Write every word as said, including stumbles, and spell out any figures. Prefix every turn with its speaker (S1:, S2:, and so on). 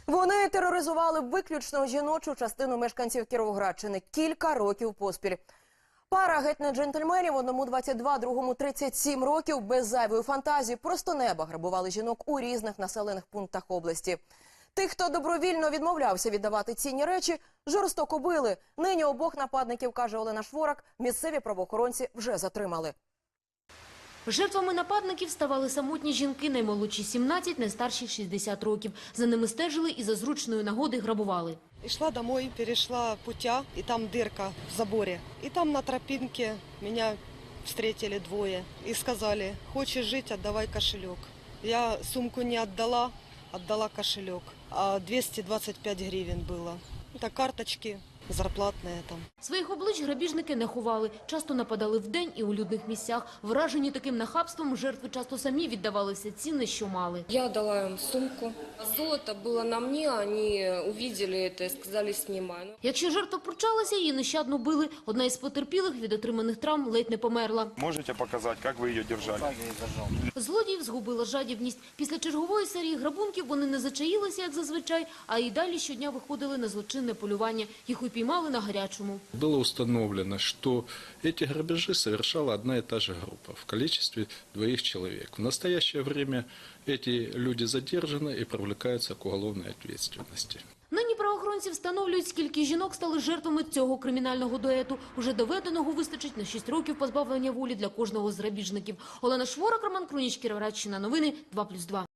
S1: Вони тероризували виключно жіночу частину мешканців Кіровоградщини кілька років поспіль. Пара геть не джентльменів, одному двадцять два, другому тридцять сім років, без зайвої фантазії, просто неба грабували жінок у різних населених пунктах області. Тих, хто добровільно відмовлявся віддавати цінні речі, жорстоко били. Нині обох нападників, каже Олена Шворак, місцеві правоохоронці вже затримали.
S2: Жертвами нападників ставали самотні жінки, наймолодші сімнадцять, найстарші шістдесят років. За ними стежили і за зручної нагоди грабували.
S3: Шла домой, перешла путя, и там дырка в заборе. И там на тропинке меня встретили двое и сказали: хочешь жить, отдавай кошелек. Я сумку не отдала, отдала кошелек. А двести двадцать пять гривен было. Это карточки зарплатные там.
S2: Своїх облич грабіжники не ховали. Часто нападали вдень і у людних місцях. Вражені таким нахабством, жертви часто самі віддавали все цінне, що мали.
S4: Я дала им сумку. Золото было на мне, они увидели это и сказали: снимай.
S2: Якщо жертва пручалася, її нещадно били. Одна із потерпілих від отриманих травм ледь не померла.
S5: Можете показати, як ви її держали?
S2: Злодіїв згубила жадібність. Після чергової серії грабунків вони не зачаїлися, як зазвичай, а й далі щодня виходили на злочинне полювання. Їх упіймали на гарячому.
S6: Было установлено, что эти грабежи совершала одна и та же группа в количестве двоих человек. В настоящее время эти люди задержаны и привлекаются к уголовной ответственности.
S2: Нині правоохоронці встановлюють, скільки жінок стали жертвами цього кримінального дуету. Уже доведеного вистачить на шість років позбавлення волі для кожного з грабіжників. Олена Шворак, Роман Круніч, Кіровоградщина, новини, два плюс два.